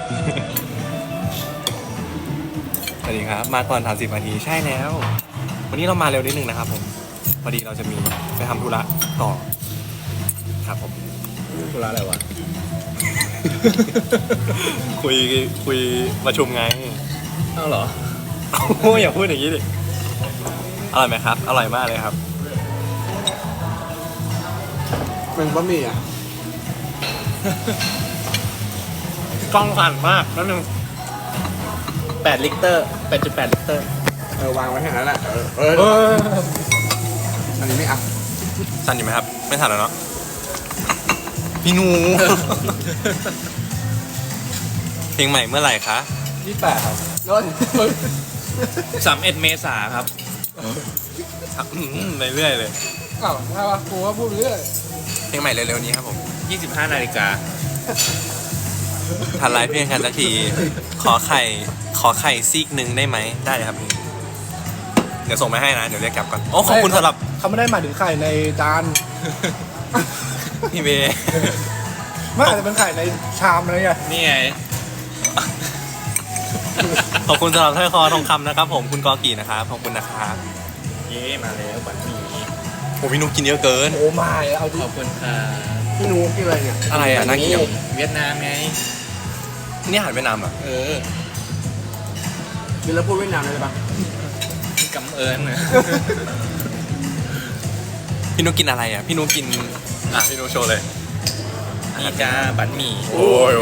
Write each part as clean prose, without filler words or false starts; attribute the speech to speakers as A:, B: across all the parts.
A: สวัสดีครับมาก่อน30 นาทีใช่แล้ววันนี้เรามาเร็วนิดนึงนะครับผมพอดีเราจะมีไปทำธุระต่อครับผม
B: ธุระอะไรวะ
A: คุยประชุมไง
B: อ้าวเหรอ
A: โอ้ยอย่าพูดอย่างนี้ดิอร่อยไหมครับอร่อยมากเลยครับ
C: เป็นบะหมี่อ่ะ
A: กล้องสั่นมากนั่นนึง
B: 8 ลิตร 8.8 ลิตร
C: วางไว้แค่นั้นแหละอันนี้ไม่อัพ
A: สั่นอยู่ไหมครับไม่สั่นแล้วเนาะพี่หนู เพลงใหม่เมื่อไหร่คะ
C: 28ครับโดน
B: 31 เมษาครับ
A: เรื่อยๆเลย
C: อ้าวถ้าวะกูว่าพูดไปเรื่อย
A: เพลงใหม่เร็วๆนี้ครับผม
B: 25 นาฬิกา
A: ทันไลฟ์เพียงกันสักทีขอไข่ซีกหนึ่งได้ไหมได้เลยครับเดี๋ยวส่งไปให้นะเดี๋ยวเรียกกลับก่อนโอ้ขอบคุณสำหรับ
C: เขาไม่ได้หมายถึงไข่ในจาน
A: พี่เบย์
C: ไม่อาจจะเป็นไข่ในชามอะไรเงี้ย
B: นี่ไง
A: ขอบคุณสำหรับถ้อยคอทองคำนะครับผมคุณกอกีนะครับขอบคุณนะครับ
B: เย้มาแล้วบัตรหมี่
A: โอ้พี่นุ๊กกินเยอะเกิน
C: โอ้ไม่เอาดิ
B: ขอบคุณค่ะ
C: พี่นูกินอะไรเนี่ย
A: อะไรอ่ะน่ากิน
B: เวียดนามไง
A: นี่อาหารเวียดนามเหรอ่ะ
B: เออ
C: กินแล้วพูดเวียดนามได้ปะ
B: กำเอิญ
A: พี่นุ๊กกินอะไรอ่ะพี่นุ๊กกินพี่นุ๊กโชว์เลย
B: นี่จ้าบัตรหมี่
A: โอ้ย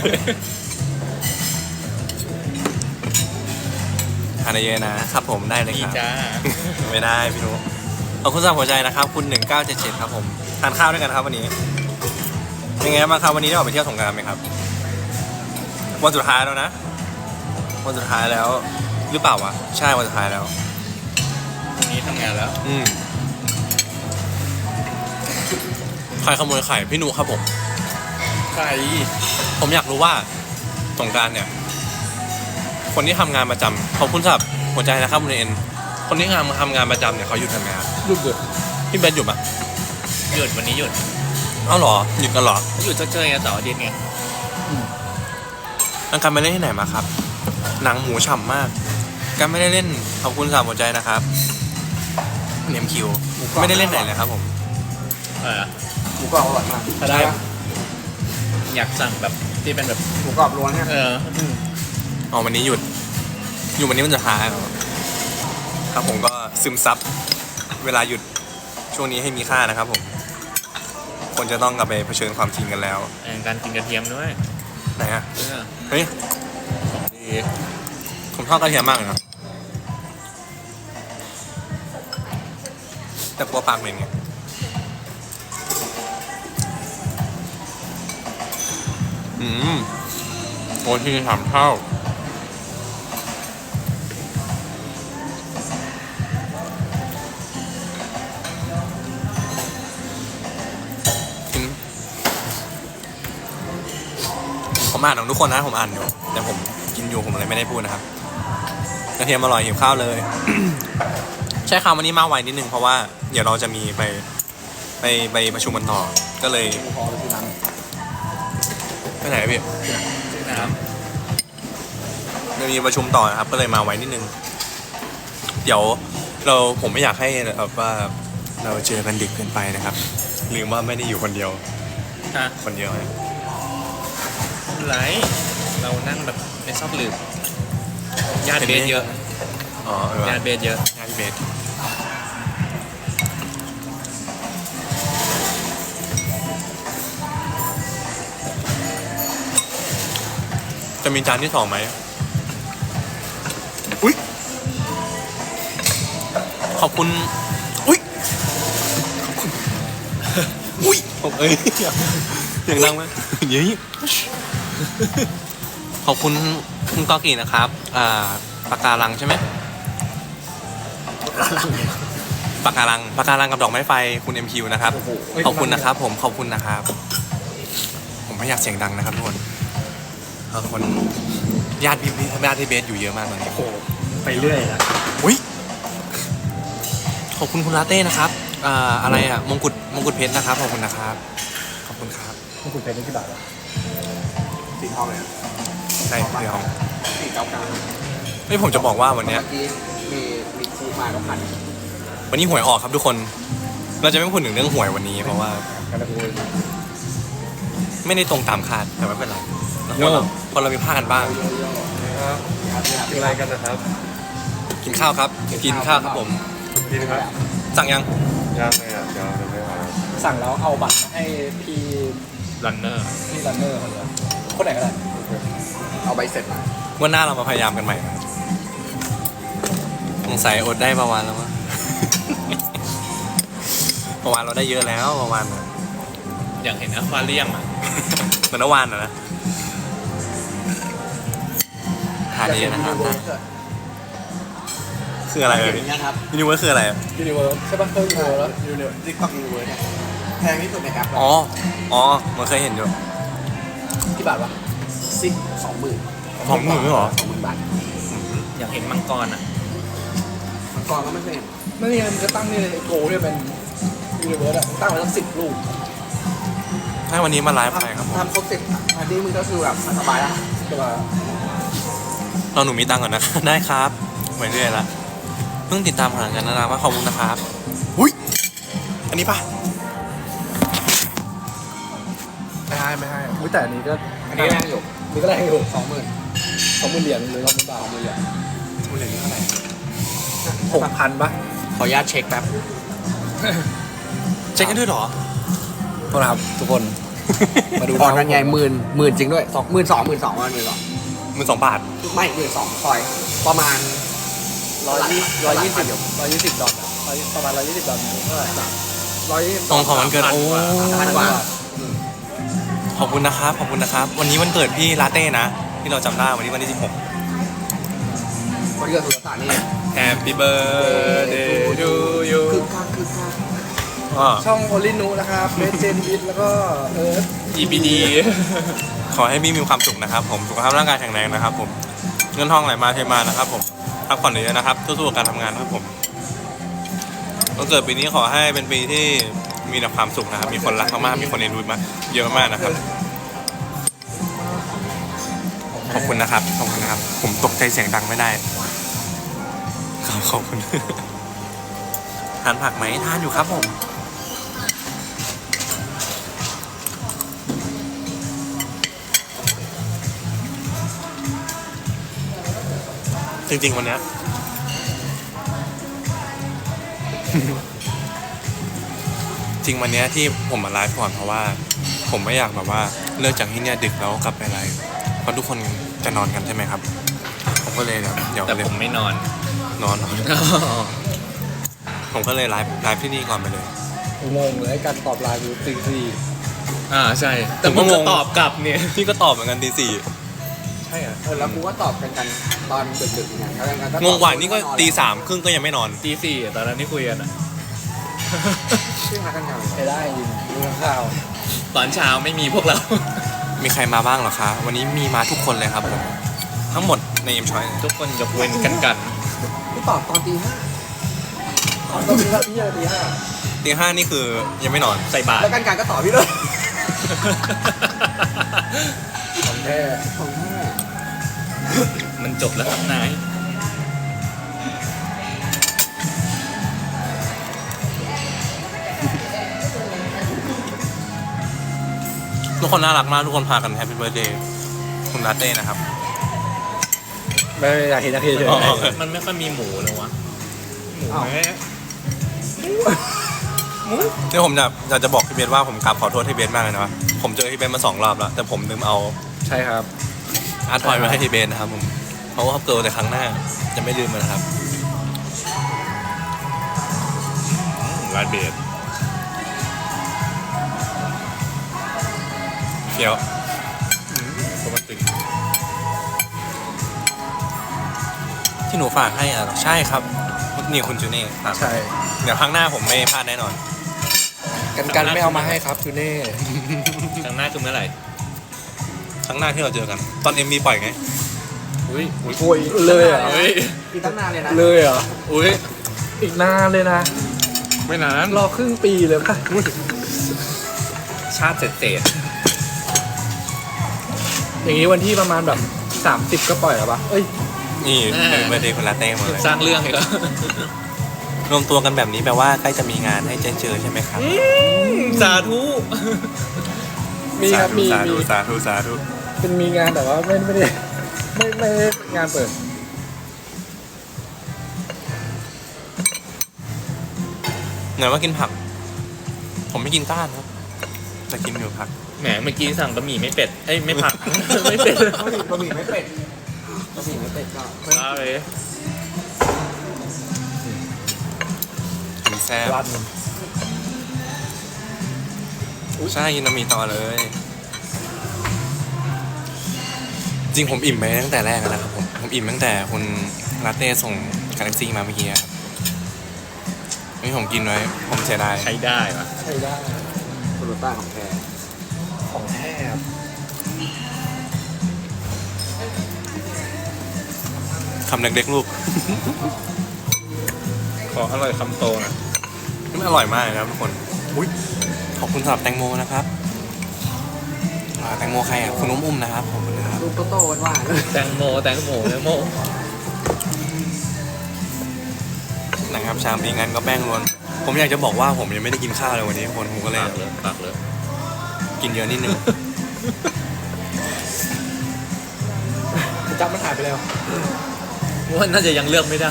A: ทานเยอะนะครับผมได้เลย
B: นี่
A: ครับ
B: จ้า
A: ไม่ได้พี่นุ๊กขอบคุณสำหรับหัวใจนะครับคุณ1977ครับผมทานข้าวด้วยกันครับวันนี้เป็นไงบ้างครับวันนี้ได้ออกไปเที่ยวสงกรานต์ไหมครับวันสุดท้ายแล้วนะวันสุดท้ายแล้วหรือเปล่าวะใช่วันสุดท้ายแล้ว
B: วันนี้ทำงานแล้ว
A: ใครขโมยไข่พี่นุครับผม
B: ใคร
A: ผมอยากรู้ว่าสงกรานต์เนี่ยคนที่ทำงานประจำขอบคุณสำหรับหัวใจนะครับคุณเอ็นคนที่ทำงานประจำเนี่ยเขาหยุดทำงาน
C: หยุดเลย
A: พี่เบนหยุดปะ
B: หยุดวันนี้หยุด
A: เอ้าเหรอหยุดกันเหรอ
B: หยุดเจอไงเสาร์อาทิตย์ไง
A: อังการไปเล่นที่ไหนมาครับหนังหมูฉ่ำมากการไม่ได้เล่นขอบคุณสำหรับหัวใจนะครับเนียมคิวไม่ได้เล่นไหนเลยครับผม
C: หมูกรอบอร่อยมาก
B: ถ้าได้ อยากสั่งแบบที่เป็นแบบ
C: หมูกรอบล้วนเนี่ย
A: อ๋อวันนี้หยุดอยู่วันนี้มันจะหายเหรอครับผมก็ซึมซับเวลาหยุดช่วงนี้ให้มีค่านะครับผมคนจะต้องกลับไปเผชิญความจริงกันแล้ว
B: การกินกระเทียมด้วย
A: ไหนอะ
B: เออ
A: เฮ้ย
B: ดี
A: ผมชอบกระเทียมมากเลยนะแต่กลัวปากเหม็นไงโอ้ที่ทำเท่าผมอ่านของทุกคนนะผมอ่านอยู่แต่ผมกินอยู่ผมเลยไม่ได้พูดนะครับกระเทียมอร่อยหิวข้าวเลย ใช่ครับวันนี้มาไวนิดนึงเพราะว่าเดี๋ยวเราจะมีไปประชุมกันต่อก็เลย
C: พอเลยทีนั้น
A: ไปไหนพี่
B: ซื้อน้
A: จะมีประชุมต่อนะครับก็เลยมาไวนิดนึงเดี๋ยวผมไม่อยากให้แบบว่าเราเจอกันดึกเกินไปนะครับลืมว่าไม่ได้อยู่คนเดียว
B: ำฮะ
A: คนเดียวนะ
B: ไรเรานั่งแบบในซอกหลืบญาติเบสเยอะ
A: อ๋อ
B: ญาติเบสเยอะ
A: ญาติเบสจะมีจานที่2ไหมอุ้ยขอบคุณอุ้ยขอบคุณอุ้ยผมอย่างดังไหมเย้ยขอบคุณคุณกอกีนะครับปากการังใช่ไหมปากการังกับดอกไม้ไฟคุณ MQ นะครับขอบคุณนะครับผมขอบคุณนะครับผมไม่อยากเสียงดังนะครับทุกคนคนญาติพี่เบสอยู่เยอะมากตอนนี้
C: โอ้ไปเรื่อยอะ
A: อุ้ยขอบคุณคุณลาเต้นะครับอะไรอ่ะมงกุฎเพชรนะครับขอบคุณนะครับขอบคุณครับ
C: คุณเพชรนี่กี่บาทอะสีทองเลยอะ
A: ช่เดี๋ยว
C: 499
A: เฮ้ยผมจะบอกว่าวันเนี้ย
C: เมื่อกี้มีคูมากับพัน
A: วันนี้หวยออกครับทุกคน เราจะไม่พูดถึงเรื่องหวยวันนี้เพราะว่า
C: กันละกู
A: ไม่ได้ตรงตามคาดแต่ไม่เป็นไรคนเรามีพลาดกันบ้าง
B: กินอะไรกันนะครับ
A: กินข้าวครับ กินข้าวครับผม
B: กินครับ
A: สั่งยัง
B: ย่างเลยอ่ะเดี๋ยวไม่มา
C: สั่งแล้วเอาบัตรให้พี่
B: รันเนอร์
C: รันเนอร์คนไหนก็ได้เอาใบเสร็จมา
A: วันหน้าเรามาพยายามกันใหม่นะครับสงสัยอดได้ประวานแล้วมั้ง ประวานเราได้เยอะแล้วประวานน่ะ
B: อยากเห็นอควาเรียมอ่ะ
A: เหมือนเมื่อวานนะทานเยอะนะครับคืออะไรเลย
C: อย่างเงี้ยครับ
A: ยูนิเวิร์สคืออะไรอะ
C: ยูนิเวิร์สใช่ป่ะเคยยูนิเวิร์สแล้วยูนิเวิร์สติ๊กต็อกยูนิเวิร์สเนี่ยแพงที่สุดในแอป
A: อ๋อ อ๋อ มันเคยเห็นอยู่
C: กี่บาทวะซิก20,000
A: 20,000เหรอ
C: 20,000 บาท
B: อยากเห็นมังกรอ่ะ
C: มันก่อนก็ไม่เคยเห็นไม่เนี่ยมันจะตั้งนี่เลยไอโกเนี่ยเป็นยูนิเวิร์สอะตั้งไว้ตั้ง10 ลูก
A: ให้วันนี้มาไลฟ์ไปครับผม
C: ทำครบ10อันนี้มึงก็คือแบบสบายแล้วสบาย
A: เราหนูมีตังค์ก่อนนะ ได้ครับไปเรื่อยละเพิ่งติดตามผลงานกันนะว่าขอบคุณนะครับอุ้ย อันนี้ปะ
C: ไม่ให้อุ้ยแต่อันนี้ก็อันนี้แรงอยู่นี่ก็แรงอยู่20,000เหรียญหรือ20,000 บาท20,000 เหรียญ
A: คุณเหรียญนี่เท่าไหร่
C: 6,000ปะขออนุญาตเช็คแป๊บ
A: เช็คกันด้วยเหรอ
C: โทษนะครับทุกคน มาดูพอกันใหญ่หมื่นจริงด้วย12,000 ประมาณ12,000
A: 12,000 บาท
C: ไม่12,000ซอยประมาณ120 ดอลประมาณ120 ดอลเท่าไหร่120
A: ตรงของวันเกิด โอ้
C: พันกว่า
A: ขอบคุณนะครับ ขอบคุณนะครับ วันนี้วันเกิดพี่ลาเต้นะ ที่เราจำได้วันนี้วันที่
C: วันเกิดสุรศักดิ์นี่
A: 16 Happy birthday to you
C: คึกคัก
A: อ่า
C: ช่องโอลินูนะครับเบสเจนวิทแล้วก็เอิร์ธ
B: EBD
A: ขอให้พี่มีความสุขนะครับผม สุขภาพร่างกายแข็งแรงนะครับผม เงินทองไหลมาเทมานะครับผมพักผ่อนเยอะๆนะครับสู้ๆกับการทำงานนะครับผมวันเกิดปีนี้ขอให้เป็นปีที่มีแต่ความสุขนะครับ มีคนรักมากๆมีคนเอ็นดูมากเยอะมากนะครับ ขอบคุณนะครับ ขอบคุณนะครับ ผมตกใจเสียงดังไม่ได้ ขอบคุณ ทานผักไหมทานอยู่ครับผม จริงๆวันเนี้ย จริงวันเนี้ยที่ผมมาไลฟ์ก่อนเพราะว่า ผมไม่อยากแบบว่าเลิกจากที่เนี่ยดึกแล้วกลับไปไลฟ์เพราะทุกคนจะนอนกันใช่ไหมครับ ผมก็เลยเดี๋ยว
B: แต่
A: เลย
B: ผมไม่นอน
A: นอน ผมก็เลยไลฟ์ที่นี่ก่อนไปเลย
C: งงเลยการตอบไลน์ดูตีสี่
B: ใช่ แต่
A: ผมก็
B: มึงก็
A: งง
B: ตอบกลับเนี่ย
A: พี่ก็ตอบเหมือนกันตีสี่
C: ใช่เหรอแล้วกูก็ตอบกันตอนดึกๆเนี่ยแล้วกัน
A: งงกว่านี่ก็ตี3:30ก็ยังไม่นอน
B: ตี 4ตอนนั้นที่คุยกันอ่ะ
C: ชื่อพักกันงานใช้ได้จริงดูข่าว
B: ตอนเช้าไม่มีพวกเรา
A: มีใครมาบ้างเหรอคะ วันนี้มีมาทุกคนเลยครับผมทั้งหมดในเอ็มชอย
B: ทุกคนยกเว้นกัน
C: กูตอบตอนตี 5ตอนตี 5พี่ตี
A: ตี 5นี่คือยังไม่นอน
B: ใส่บา
C: 5
B: ตร
C: แล้วกันก็ตอบพี่เลยของแท้
B: มันจบแล้วครับนาย
A: ทุกคนน่ารักมากทุกคนพากันแฮปปี้เบิร์ดเดย์คุณลาเต้นะครับ
C: ไม่อยากเห็นเฉย
A: อ๋อ
B: มันไม่ค่อยมีหมูเลยวะ หมูไหม
A: นี่ผมอยากจะบอกพี่เบสว่าผมกราบขอโทษพี่เบสมากเลยนะผมเจอพี่เบสมา2 รอบแล้ว แต่ผมลืมเอา
C: ใช่ครับ
A: อาร์ตทอยมาให้พี่เบสนะครับผมเพราะว่าเกิดแต่ครั้งหน้าจะไม่ลืมมันนะครับ
B: ร้านเบส
A: เฟี้ยว
B: ปกติ
A: ที่หนูฝากให้อ่ะใช่ครับนี่คุณจูเน่ครับ
C: ใช่
A: เดี๋ยวครั้งหน้าผมไม่พลาดแน่นอน
C: กันไม่เอามาให้ครับคือเน่
B: ครั้งหน้าคือเมื่อไหร่
A: ครั้งหน้าที่เราเจอกัน ตอน MV ปล่อยไง
B: อุ้ย
C: โอ้ยเลยเหรอ
B: เฮ้ย
C: อีกตั้งนานเลยนะ
D: เลยเหรอ
B: อุ้ย
D: อีกนานเลยนะ
B: ไม่นาน
D: รอครึ่งปีเลยป่ะ
B: ชาติเศษ
D: อย่างนี้วันที่ประมาณแบบ 30ก็ปล่อยแล้วปะเอ้ย
A: นี่เป็นเบอร์เดย์คุณลาเต้หมดเลย
B: สร้างเรื่องอีกแล้ว
A: รวมตัวกันแบบนี้แปลว่าใกล้จะมีงานให้เจอใช่ไหมครับ
B: สาธุ
D: มีครับมี
A: สาธุสาธุสาธุ
D: เป็นมีงานแต่ว่าไม่ได้ไม่ได้งานเปิด
A: ไหนว่ากินผัก ผมไม่กินก้านครับแต่กินอยู่ผัก
B: แหมเมื่อกี้สั่งบะหมี่ไม่เป็ดเอ้ยไม่ผัก ไม่เป็ด
C: บะหมี่ไม่เป็ดบะหมี่ไม่เป็ดก็
B: ว้าเลย
A: มีแซ่บ
D: รัน
A: ใช่กินน้ำมีต่อเลย จริงผมอิ่มไปตั้งแต่แรกแล้วนะครับผมอิ่มตั้งแต่คุณลาเต้ส่งกาแล็กซี่มาเมื่อกี้ครับนี่ผมกินไว้ผมเสียดาย
B: ใช้ได้ปะ
D: ใช้ได้
C: คุณป้าของแท้
D: ของแท้ครับ
A: คำเล็กๆลูก
B: ขออร่อยคำโตหน่อย
A: นี่มันอร่อยมากเลยนะครับทุกคนอุ้ยขอบคุณสำหรับแตงโมนะครับแตงโมใครอ่ะคุณอุ้มนะครับผมนะครับ
C: ลูกโตๆหวานๆ
B: แตงโมแตงโมแตงโม
A: นะครับชามนี้งั้นก็แป้งล้วนผมอยากจะบอกว่าผมยังไม่ได้กินข้าวเลยวันนี้ทุกคนผมก็เลย
B: ปากเลยปากเลย
A: กินเยอะนิดนึง
D: จับมันหายไปแล้ว
B: ว่าน่าจะยังเลือกไม่ได้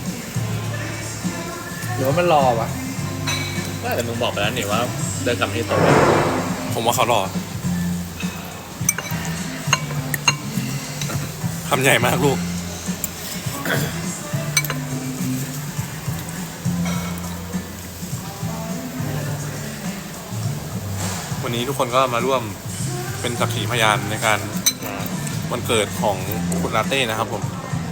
D: หรือว่ามันรอวะ
B: ว่าแต่มึงบอกไปแล้วนี่ว่าเดินกลับมาที่โต๊ะ
A: ผมว่าเขารอคำใหญ่มากลูก วันนี้ทุกคนก็มาร่วมเป็นสักขีพยานในการวันเกิดของคุณลาเต้นะครับผม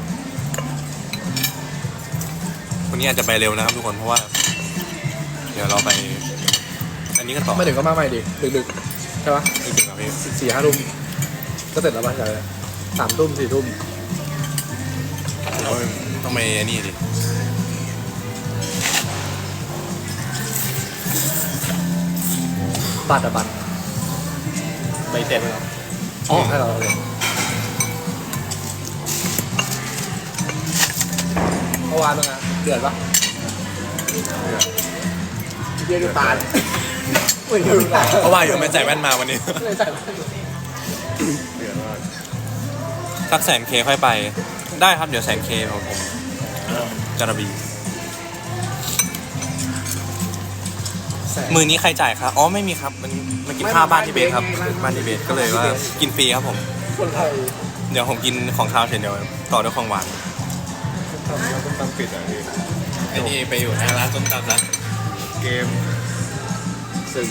A: วันนี้อาจจะไปเร็วนะครับทุกคนเพราะว่า เดี๋ยวเราไป อันนี้กันต่อ
D: ไม่ถึงก็มาใหม่ดิดึกๆใช่ปะ
A: อีกหนึ่งครับพี่
D: 4-5 ทุ่มก็เสร็จแล้วป่ะใช่3 ทุ่ม 4 ทุ่ม
A: ต้องไปนี่ดิ
D: บัตรอะบัตร
B: ใบเสร็จแล้ว
D: อ๋อให้เราเลยเมื่อวานเป็นไงเดือดปะเดือดดูตาลไม่ดูตาล
A: เพราะว่าอยู่ไม่ใส่แว่นมาวันนี้
D: ไม่ใส่
A: สัก100,000 K ค่อยไป ได้ครับเดี๋ยว100,000 K ผมจระบีมือนี้ใครจ่ายครับอ๋อไม่มีครับมันกินข้าวบ้านที่เบสครับบ้านที่เบสก็เลยว่ากินฟรีครับผม
D: คนไทย
A: เดี๋ยวผมกินของข้าวเสร็จเดี๋ยวต่อด้วยของหวาน
D: ต้องตำปิดอ่ะพี่
B: ไอ้นี่ไปอยู่หน้าร้านส้มตำละ
D: เกม
C: ซึ่ง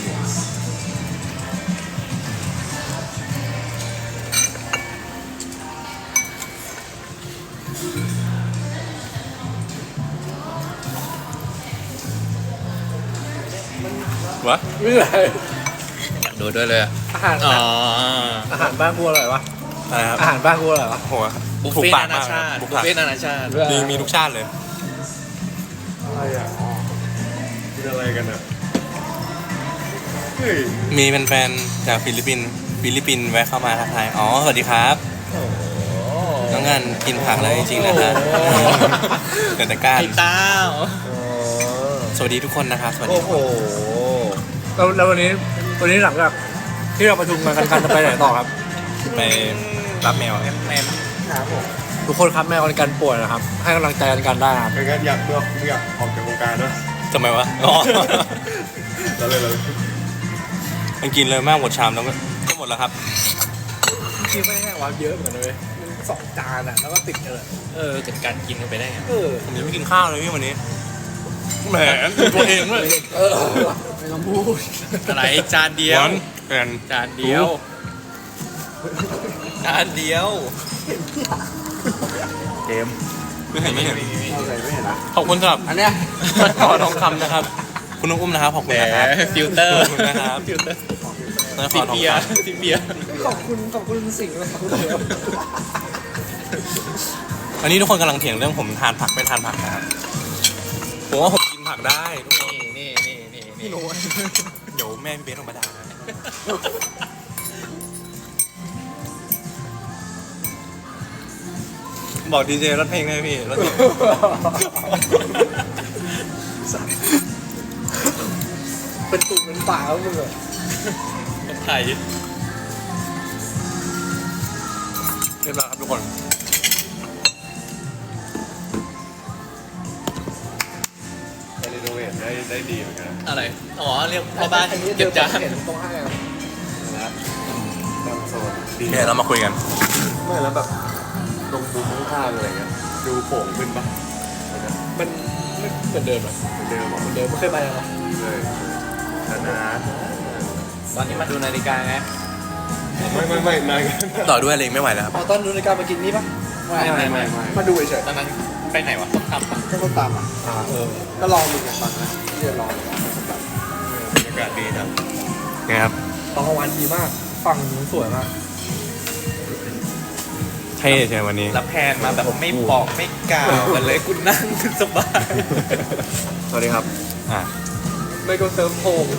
A: วะ
D: ไม่เป็นไร
B: อยากดูด้วยเลยอะ
D: อาหาร
B: อ๋อ
D: อาหารบ้านกูอร่อยวะ
A: อะไรครับ
D: อาหารบ้านกูอร่อยวะ
A: โห
B: บุฟ
A: ถูก
B: เฟ่
A: ปาก
B: นานา
A: มาก
B: ชาติ
A: บุฟ
B: บุฟเฟ่ต์นานาชาติ
A: มีทุกชาติเลย
D: อะไรอ่ะ
C: กินอะไรกันอ่ะ
A: มีแฟนๆจากฟิลิปปินส์แวะเข้ามาทักทายอ๋อสวัสดีครับ
B: โอ้โห
A: น้องงานกินผักแล้วจริงๆนะฮะเกิดแต่ก้าน
B: ไอ้เต้า
A: สวัสดีทุกคนนะครับ สวัสดี
D: โอ้
A: ทุก
D: โห
A: คน
D: แล้ววันนี้หลังจากที่เราประชุมกันจะไปไหนต่อครับ
A: ไปรับแมว
B: แมน
C: ครับผม
D: ทุกคนครับแม่วันกันป่วยนะครับ ให้กำลังใจกันได้ครับ
C: เป็นการอยากออกจากวงการด้วย
A: ทำไมวะอ๋อ
C: เราเลย
A: มันกินเลยมากหมดชามแล้วก็หมดแล้วครับ
D: กินไม่ได้ว่าเยอะเหมือนกันเลย2 จานอ่ะแล้วก็ติดเลย
B: เกิดการกินกันไปได้ไง
A: ผมยังไม่กินข้าวเลยพี่วันนี้แหมตัวเองด้วย
C: ไม่ต้องพูด
B: อะไรจานเดียว
A: วันแอน
B: จานเดียวจานเดียว
D: เกม
A: ไม่เห็นไม่เห็น
C: เอาใส่ไม่เห็นนะ
A: ขอบคุณสำหรับ
C: อันเนี้ย
A: ต่อทองคำนะครับ คุณน้องอุ้มนะครับขอบคุณนะครับ
B: ฟิลเตอร์
A: ขอบคุณนะครับ
B: ฟิลเตอร์
A: แล้วข
B: สิ
A: อทอง
B: เบีย
A: ค
B: ร์สิเบียร์
C: ขอบคุณสิ่งนะครับ
A: ำอันนี้ทุกคนกำลังเถียงเรื่องผมทานผักไม่ทานผักนะครับผมว่าผมกินผักได้ทุกคน
B: นี่
A: เดี๋ยวแม่พี่เบสออกมาด่านะบอกดีเจรถเพลงได้พี่รถเพลง
D: เป็นตุ่มเป็นป่าแล้วมึงอะ
B: คนไทย
A: เรียบร้อยครับทุกคน
E: รีโนเวทได้ดีเหมือนกัน
B: อะไร อ๋อ เรียกพ่อบ้านเก็บจาน
D: เห็นตรงห้างอะ
E: ตามโซนดี
A: เนี่ยเรามาคุยกัน
E: ไม่แล้วแบบตรงมุมข้างๆอะไรเงี้ยดูโป่งขึ้นปะ
D: มันไม่เหมือนเดิมอะ
E: เหมือนเดิมเหรอ
D: เหมือนเดิมไม่เคยไปเลยเหรอ
E: เลยนาน
B: ตอนนี้มาดูนาฬิกาไง
E: ๆไม่นานกัน
A: ต่อด้วยเลยไม่ไหวแล้วครับ
D: เอาตอนดูรายการมากินนี่ปะ
B: ไม่
D: มาดูเฉย
B: ตอนนั้นไปไหนวะต้องทำปะ
D: ๆก็ต้องตามอ่ะก็ลองดูกันตอนนั้นที่จะลอง
E: บรรยากาศดีจัง
A: ไงครับ
D: ตอนกลางวันดีมากฝั่งนู้นสวยมาก
A: เท่ใช่ไหมวันนี้
B: รับแพนมาแบบไม่บอกไม่กล่าวกันเลยคุณนั่งขึ้นสบาย
E: สวัสดีครับ
A: อ่ะ
D: ไม่ก็เซิร์ฟโฮม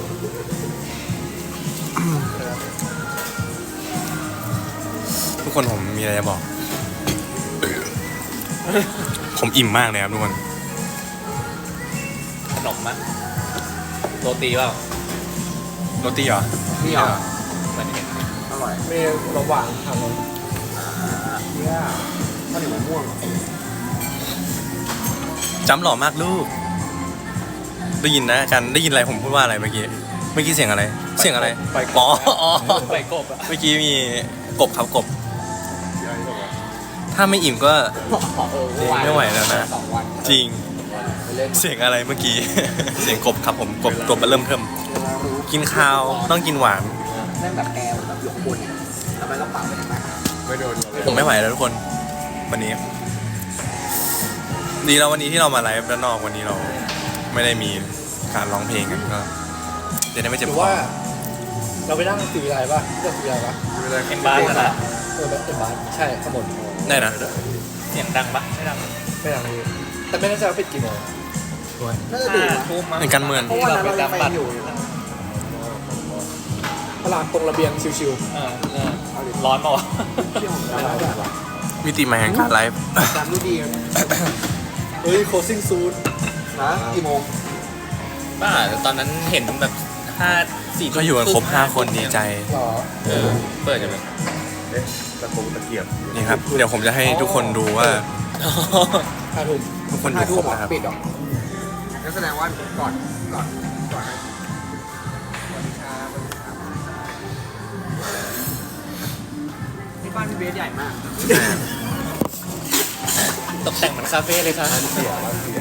A: ทุกคนผมมีอะไรจะบอก ผมอิ่มมากเลยครับทุกคน
B: ขนมมั้ยโรตีเปล่า
A: โรตีเหรอ
D: นี่เหรอ
B: เหมือนเห็น
D: อร่อยมีขนมหวานทางนู้นเนี่ยข้าวเหนียวมะม่วง
A: จำหล่อมากลูก ได้ยินนะอาจารย์ได้ยินอะไรผมพูดว่าอะไรเมื่อกี้เสียงอะไร เสียงอะไรอ๋ออ๋อ
B: ไปกบอะ
A: เมื่อกี้มีกบครับกบ
E: พี่ไอ้บอกว่า
A: ถ้าไม่อิ่มก็ จริงไม่ไหวแล้วนะ
D: 2 วัน
A: จริง
D: ไปเล่น
A: เสียงอะไรเมื่อกี้ เสียงกบครับผมกบมาเริ่มเทิม
D: เวลารู้
A: กินข้าวต้องกินหวาน
D: แม่งแบบแกวแบบหยกบนเนี่ยทำไมต้องเป่าไปทำไม
E: ไม่โดนเลย
A: ผมไม่ไหวแล้วทุกคน วันนี้ ดีแล้ววันนี้ที่เรามาไลฟ์ด้านนอกวันนี้เราไม่ได้มีการร้องเพลงกันก็จะได้ไม่
D: ห
A: เจ็บ
D: รือ
A: คอ
D: ว่า เราไปนั่งสีอะไรป่ะเลือกสีอะไรป่ะ
E: ไม่ได้
B: เป็นบ้านนะ
D: แบบเป็นบาสใช่ข้างบน
A: ได้นะ
B: เสียงดังปะไม่ดัง
D: ไม่ดังเลยแต่ไม่แน่ใจว่าปิดกี่โมงน่าจะดึก
B: ห้า
D: นะ
B: ทุ่มมั้ง
A: เป็นการเมือง
D: เพราะว่านั้นเราไปอยู่ตลาดตรงระเบียงชิว
B: ร้อนเปล่าวะ
D: ๆที่ของเราแบบว่า
A: มิติใหม่แห่งการไลฟ์
D: จำดูดีกันเฮ้ย closing soon นะกี่โมง
B: บ้าแต่ตอนนั้นเห็นแบบ4
A: ก็อยู่กันครบ5 คนดีใจ
D: หรอ
B: เปิดกันเลย
E: เอ๊ะตะโกงตะเกียบ
A: นี่ครับ เดี๋ยวผมจะให้ทุกคนดูว่า
D: 5 ทุ่ม
A: ทุกคนดูครบนะครับ
D: ปิดหรองั้นแสดงว่าก่อนนี่บ้านพี่เบสใหญ่มาก
B: ตกแต่งเหมือนคาเฟ่เลยครับ
E: เสีย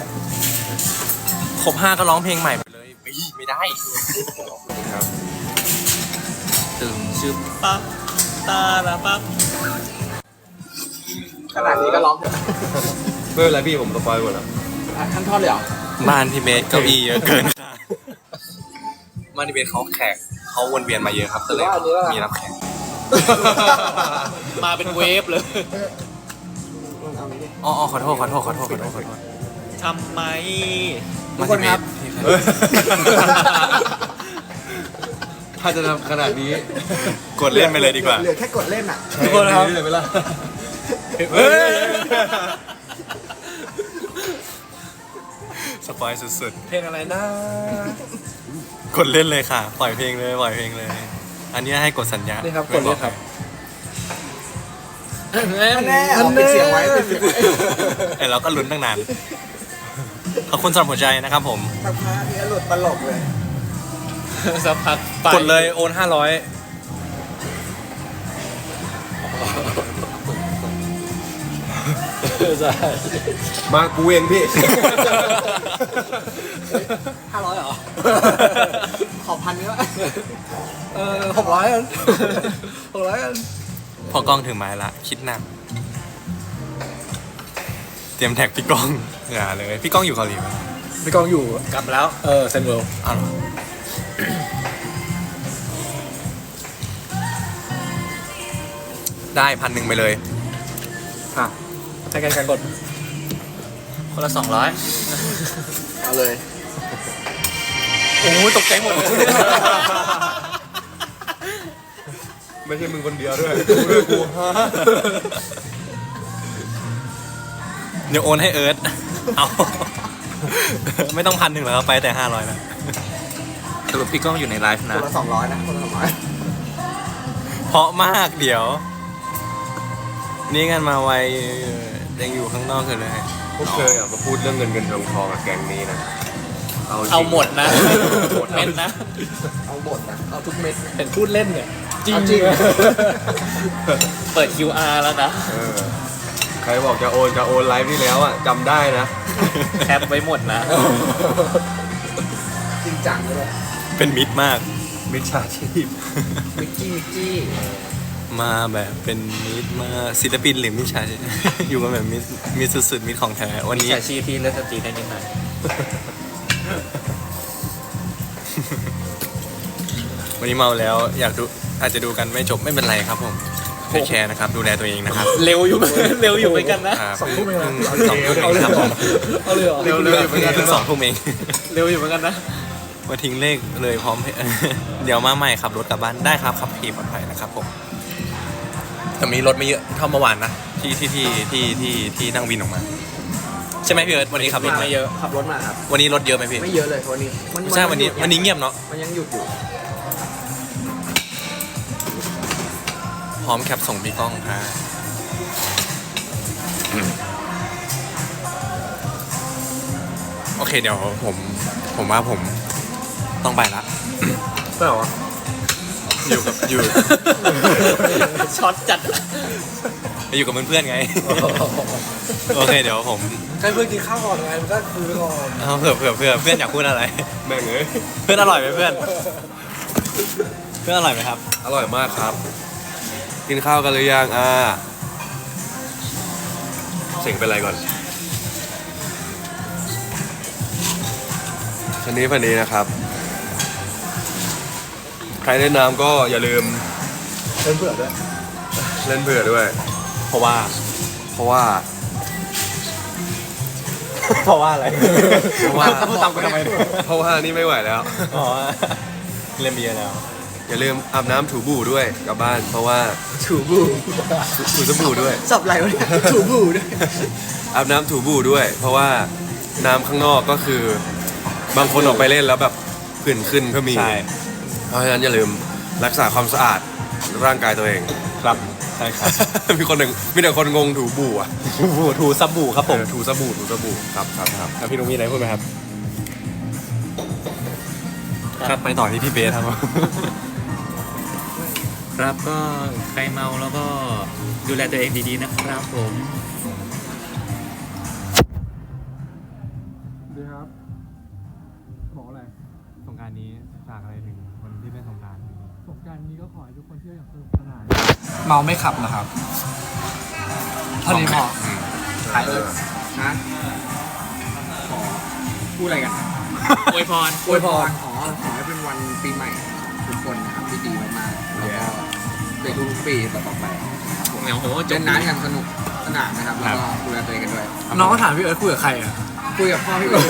A: ครบ5ก็ร้องเพลงใหม่ไปเลยไม่ได้
E: ครับ
B: ตึงชึบปั๊บตาละปั๊บ
D: ขนาดนี้ก็ร้อง
E: ไม่เป็นไรพี่ผมสปอยหมดแล้ว
D: ขั้นท่อนเลยเหรอ
A: บ้านพี่เบสเก้าอี้เยอะเกินค่ะบ้านพี่เบสเขาแขกเขาวนเวียนมาเยอะครับก็เลยมีรับแขก
B: มาเป็นเวฟเลย
A: อ๋อขอโทษ
B: ทำไม
D: ทุกคนครับ
E: ถ้าจะทำขนาดนี้
A: กดเล่นไปเลยดีกว่า
D: เหลือแค่กดเล่นอ่ะ
E: ทุกคนครับเลยไหมล่ะ
A: เฮ้ยสปอยสุด
D: เพลงอะไรนะ
A: ๆกดเล่นเลยค่ะ ปล่อยเพลงเลย อันนี้ให้กดสัญญา
D: นี่ครับกดเลยครับ
B: แน่
D: เอาปิดเสียงไว้ปิดเสียงไว้
A: แต่เราก็ลุ้นตั้งนานขอบคุณสำหรับหัวใจนะครับผม
D: สักพักนี้หลุดตลกเลย
B: สักพักไป
A: กดเลยโอน500
D: ใช่
E: มากูเองพี่
D: 500เหรอ ขอ1,000นี้วะ600กัน600กัน
A: พอกล้องถึงไม้ละ คิดหนัก เตรียมแท็กพี่ก้องอย่าเลย พี่ก้องอยู่เกาหลีไหม
D: พี่กองอยู่
B: กลับแล้ว
D: เซนเวิลด์
A: อ้าวเหรอได้1,000ไปเลย
D: ค่ะใช้การกด
B: คนละ200
D: เอาเลย
A: โอ้ยตกใจหมดเลย
E: ไม่ใช่มึงคนเดียวด้วยกูด้วยกู
A: เดี๋ยวโอนให้เอิร์ธเอา ไม่ต้อง1,000แล้วไปแต่500นะ
B: สรุปพี่ก้องอยู่ในไลฟ์
C: คน
B: นะ
C: ละ200นะคนละ200
A: เพราะมากเดี๋ยว นี่กันมาไวยังอยู่ข้างนอกกันเลย
E: พวกเธออยากมาพูดเรื่องเงินทองกับแกงนี้นะจริง
B: เอาหมดนะหมดเม็ดนะ
C: เอาหมดนะเอาทุกเม็ด
D: เห็นพูดเล่นเนี่ยจริง
C: เอาจริง
B: เปิด QR แล้วนะ
E: เออใครบอกจะโอนไลฟ์ที่แล้วอ่ะจำได้นะ
B: แคปไว้หมดนะ
C: จริงจังเลย
A: เป็นมิตรมาก
E: มิจฉาชีพ
C: มิกกี้
A: มาแบบเป็นมิตรมาศิลปินหรือมิจฉาชีพ อยู่กันแบบมิตรสุดๆมิตรของแท้วัน
B: มิจ
A: นี้
B: ฉาชีพที่เลือกสตรีได้นิดหน่อย
A: วันนี้เมาแล้วอยากดูอาจจะดูกันไม่จบไม่เป็นไรครับผมเทคแคร์นะครับดูแลตัวเองนะครับ
B: เร็วอยู่ เร็วอยู่เหมือนกันนะ
A: 2 ทุ่มเอง2 ทุ่มเองครับผม
D: เอาเลยเหรอ
B: เร็วอยู่เหมือนกัน
A: เพิ่ง2 ทุ่มเอง
B: เร็วอยู่เหมือนกันนะ
A: มาทิ้งเลขเลยพร้อม เดี๋ยวมาใหม่ขับรถกลับบ้านได้ครับขับขี่ปลอดภัยนะครับผมแต่มีรถไม่เยอะเท่าเมื่อวานนะที่นั่งวินออกมา ใช่ไหมพี่เอิร์ธวันนี้ขับรถ
B: ไม่เยอะ
C: ขับรถมาครับ
A: วันนี้รถเยอะไหมพี่
C: ไม่เยอะเลยวันนี้
A: ใช่วันนี้เงียบเนาะ
C: มันยังหยุดอยู่
A: พร้อมแคปส่งพี่ก้องครับโอเคเดี๋ยวผมว่าผมต้องไปละ
E: ใช่เหรอ
A: อยู่กับอยู่
B: ช็อตจัด
A: อยู่กับเพื่อนๆไง โอเคเดี๋ยวผม
D: ใครเพื่อนกินข้าวก่อนไงมันก็คุยไปก่อน
A: เอาเผื่อเพื่อนอยากพูดอะไร
E: แม่งเอ้ย
A: เพื่อนอร่อยไหมเพื่อน เพื่อนอร่อยไหมครับ
E: อร่อยมากครับ กินข้าวกันหรือยังเสียงเป็นไรก่อนชนนี้พันนี้นะครับ ใครเล่นน้ำก็อย่าลืม
D: เล่นเผื่อด้วย
E: เล่นเผื่อด้วย
A: เพราะว่า
E: เพราะว่า
A: เพราะว่าอะไร
E: เพราะว่า
A: พูดตามกันทำไม
E: เพราะว่านี่ไม่ไหวแล้ว
A: อ๋อเล่นเบียร์แล้ว
E: อย่าลืมอาบน้ำถูบู่ด้วยกลับบ้าน เพราะว่า
C: ถูบู
E: ถูสบู่ด้วย
C: สับไรวะเนี่ยถูบูด้วย
E: อาบน้ำถูบู่ด้วย เพราะว่าน้ำข้างนอกก็คือบางคนออกไปเล่นแล้วแบบผื่นขึ้นก็มี
A: ใช่
E: เพราะฉะนั้นอย่าลืมรักษาความสะอาดร่างกายตัวเอง
A: ครับใช่ครับ
E: มีแต่คนงงถูบู่อ่ะ
A: ถูสบู่ครับผม
E: ถูสบู่ครับ
A: แล้วพี่นุ้งมีอะไรพูดไหมครับ ครับไปต่อที่พี่เบสครับ
B: ครับก็ใครเมาแล้วก็ดูแลตัวเองดีๆนะครับผม
A: ดีครับบอกอะไรสงกรานต์นี้ฝากอะไรถึงคนที่เล่นสงกรานต์
D: สงกรารนี้ก็ขอให้ทุกคนเที่ยวอย่างสนุกสนานเมาไม่ขับนะครับเท่านี้พอ
C: ถ่ายเลยนะขอพูดอะไรกัน
B: อวยพร
C: อวยพรขอให้เป็นวันปีใหม่ทุกคนนะครับที่ดีมากๆแล้วก็ในทุกๆปีต่อๆไปนะครับผม
B: โอ้โหจ
C: เล่
B: บ
C: นน้ำอย่างสนุกสนานนะครับแล้วก็ดูแลตัวเองกันด้วย
D: น้องก็ถามพี่เอิร์ธคุยกับใครอ่ะ
C: คุยกับพ่อพี่เอิร์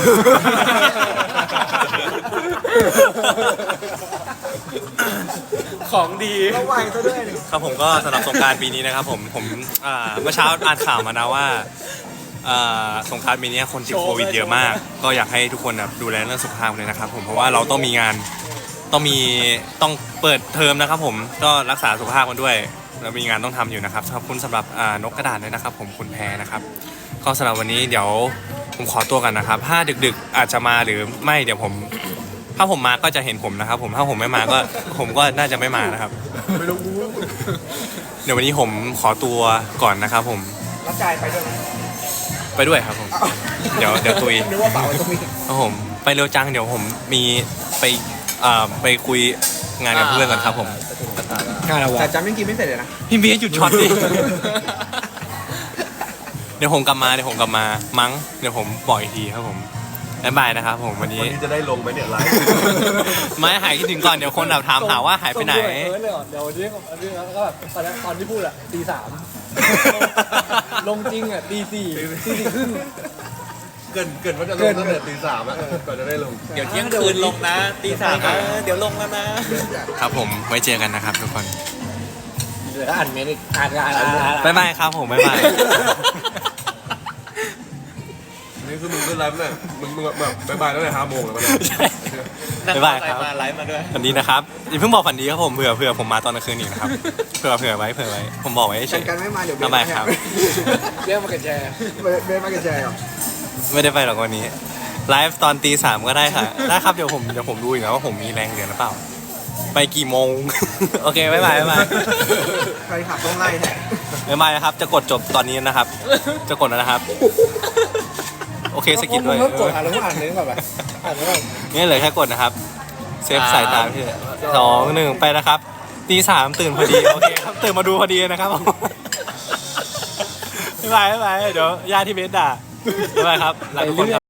C: ธ
B: ของดี
C: ระวังซะด้วย
A: ครับผมก็สำหรับสงกรานต์ปีนี้นะครับผมเมื่อเช้าอ่านข่าวมานะว่าสงกรานต์ปีนี้คนติดโควิดเยอะมาก ก็อยากให้ทุกคนดูแลเรื่องสุขภาพเลยนะครับผมเพราะว่าเราต้องมีงานต้องเปิดเทอมนะครับผมก็รักษาสุขภาพกันด้วยเรามีงานต้องทำอยู่นะครับขอบคุณสำหรับนกกระดาษด้วยนะครับผมคุณแพรนะครับก็สำหรับวันนี้เดี๋ยวผมขอตัวกันนะครับถ้าดึกๆอาจจะมาหรือไม่เดี๋ยวถ้าผมมาก็จะเห็นผมนะครับผมถ้าผมไม่มาก็ผมก็น่าจะไม่มานะครับ
C: ไม่รู้
A: เดี๋ยววันนี้ผมขอตัวก่อนนะครับผม
C: รับจ่ายไปด้วย
A: ไปด้วยครับผม เดี๋ยวตุย
C: นึกว่าเปล่าตรงนี้
A: ครับผมไปเร็วจังเดี๋ยวผมมีไปคุยงานกับเพื่อนก่อนครับผม
D: งานอะไรวะ
C: แต่จำยังกินไม่เสร็จเลยนะ
A: พี่เบียร์หยุดช็อตดิ เดี๋ยวผมกลับมามั้งเดี๋ยวผมบอกอีกทีครับผมบ๊ายบายนะครับผมวันนี้
E: วันนี้จะได้ลงไหมเนี่ยไลฟ์
A: ไม่หายคิดถึงก่อนเดี๋ยวคนถามหาว่าหายไปไหน
D: ส่งด้วยเลยเหรอเดี๋ยววันนี้แล้วก็แบบตอนที่พูดอะตี 3ลงจริงอะตี 4 ตี 4 ครึ่ง
E: เกินว่าจะลงตั้งแต่ตี 3อ่ะก่อนจะได้ลง
B: เดี๋ยวเที่ยงคืนลงนะตี 3นะเดี๋ยวลงแล้วนะ
A: ครับผมไว้เจอกันนะครับทุกคน
D: เดี๋ยวก็อ่านเมนต์อีกอ่าน
A: บ๊ายบายครับผมบ๊ายบาย
E: คือมึงขึ้นไลฟ์เนี่ยมึงแบบบายๆตั้งแต่5 โมงแล้วมัน
A: บ๊ายบายครับ
B: มาไลฟ์มาด้วย
A: ฝันดีนะครับอย่าเพิ่งบอกฝันดีครับผมเผื่อผมมาตอนกลางคืนอีกนะครับเผื่อไว้ผมบอกไว้เฉ
C: กัน
A: ย
C: กันไม่มาเดี๋ยวเบ
A: ทำไมครับ
D: เรียกมาเก็ตแชร์
C: เบสมาเก็ตแชร์เหรอ
A: ไม่ได้ไปหรอกวันนี้ไลฟ์ตอนตี 3ก็ได้ค่ะได้ครับเดี๋ยวผมดูอีกแล้วว่าผมมีแรงเหลือหรือเปล่า ไปกี่โมง โอเคบ๊ายบาย
C: ใครขับต้องไล่แท็ก
A: บ๊ายบายนะครับจะกดจบตอนนี้นะครับ จะกดแล้วนะครับ โอเคสกิปด้วย
D: มึงกดอ่านแล้วมึงอ่านเน้นก่อนไปอ่านแล้วก่อน
A: นี่เหลือแค่กดนะครับ เซฟสายตาพี่2 1ไปนะครับตี 3ตื่นพอดีโอเคครับตื่นมาดูพอดีนะครับ บ๊ายบายเดี๋ยวญาติที่เบสด่าบ๊ายบายครับลาทุกคนครับ